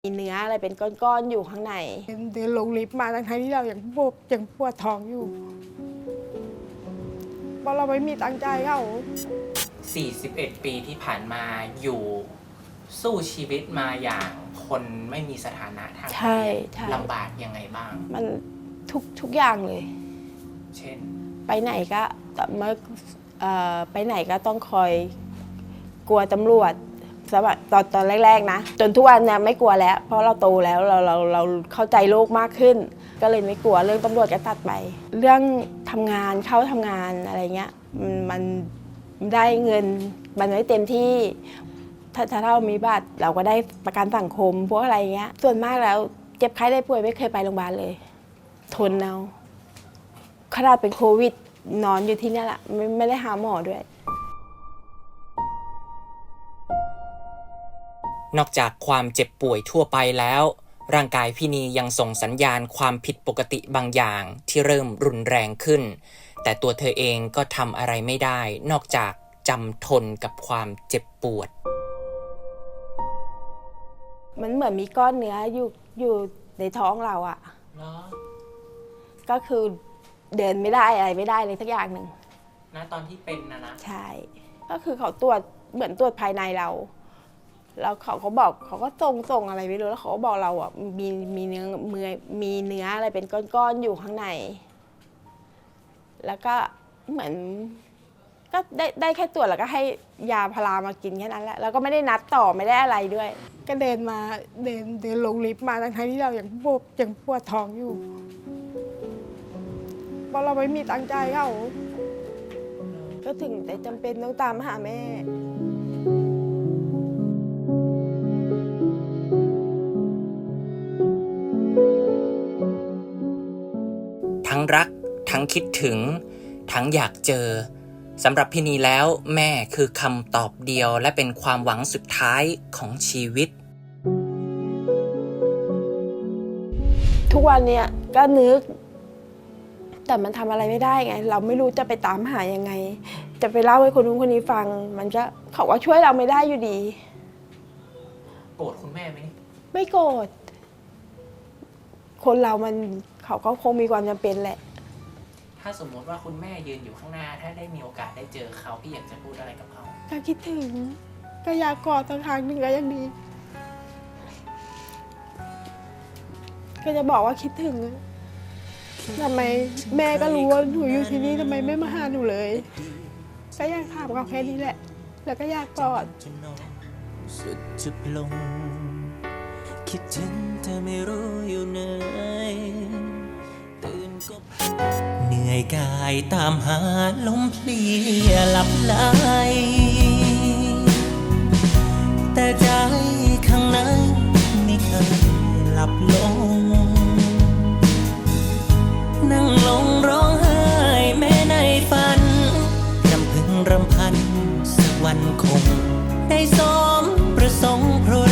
มีเนื้ออะไรเป็นก้อนๆอยู่ข้างในเดินลงลิฟต์มาทั้งที่เรายังปวดท้องอยู่เพราะเราไม่มีตังค์จ่ายเขา 41 ปีที่ผ่านมาอยู่สู้ชีวิตมาอย่างคนไม่มีสถานะทางเพศลำบากยังไงบ้างมันทุกอย่างเลยเช่นไปไหนก็ไปไหนก็ต้องคอยกลัวตำรวจสมัยตอนแรกๆนะจนทุกวันเนี่ยไม่กลัวแล้วเพราะเราโตแล้วเราเข้าใจโลกมากขึ้น ก็เลยไม่กลัวเรื่องตำรวจก็ตัดไปเรื่องทำงานเข้าทำงานอะไรเงี้ยมันได้เงินมันไม่เต็มที่ถ้าเรามีบัตรเราก็ได้ประกันสังคมพวกอะไรเงี้ยส่วนมากแล้วเจ็บไข้ได้ป่วยไม่เคยไปโรงพยาบาลเลยทนเอาขนาดเป็นโควิดนอนอยู่ที่นี่แหละไม่ได้หาหมอด้วยนอกจากความเจ็บป่วยทั่วไปแล้วร่างกายพี่นียังส่งสัญญาณความผิดปกติบางอย่างที่เริ่มรุนแรงขึ้นแต่ตัวเธอเองก็ทำอะไรไม่ได้นอกจากจำทนกับความเจ็บปวดมันเหมือนมีก้อนเนื้ออยู่ในท้องเราอะก็คือเดินไม่ได้อะไรไม่ได้เลยสักอย่างหนึ่งนะตอนที่เป็นนะใช่ก็คือเขาตรวจเหมือนตรวจภายในเราแล้วเขาก็บอกเขาก็ส่งอะไรไม่รู้แล้วเขาก็บอกเราอ่ะมีเนื้ออะไรเป็นก้อนๆอยู่ข้างในแล้วก็เหมือนก็ได้แค่ตรวจแล้วก็ให้ยาพารามากินแค่นั้นแหละแล้วก็ไม่ได้นัดต่อไม่ได้อะไรด้วยก็เดินลงลิฟต์มาทั้งที่เรายังปวดท้องอยู่เพราะเราไม่มีตังค์จ่ายเขาก็ถึงแต่จำเป็นต้องตามหาแม่ทั้งรักทั้งคิดถึงทั้งอยากเจอสำหรับพี่นีแล้วแม่คือคำตอบเดียวและเป็นความหวังสุดท้ายของชีวิตทุกวันเนี่ยก็นึกแต่มันทำอะไรไม่ได้ไงเราไม่รู้จะไปตามหายังไงจะไปเล่าให้คนนู้นคนนี้ฟังมันก็เขาว่าช่วยเราไม่ได้อยู่ดีโกรธคุณแม่ไหมไม่โกรธคนเรามันเขาก็คงมีความจำเป็นแหละถ้าสมมติว่าคุณแม่ยืนอยู่ข้างหน้าถ้าได้มีโอกาสได้เจอเขาพี่อยากจะพูดอะไรกับเขาก็คิดถึงก็อยากกอดสักครั้งหนึ่งก็ยังดีก็จะบอกว่าคิดถึงทำไมแม่ก็รู้ว่าหนูอยู่ที่นี่ทำไมไม่มาหาหนูเลยก็อยากถามเขาแค่นี้แหละแล้วก็อยากกอดสุดจุดลงคิดถึงแต่ไม่รู้อยู่ไหนตื่นก็เหนื่อยกายตามหาลมเพลียหลับไหลแต่ใจข้างในไม่เคยหลับลงนั่งลงร้องไห้แม้ในฝันรำพึงรำพันสักวันคงได้สมประสงค์เพราะ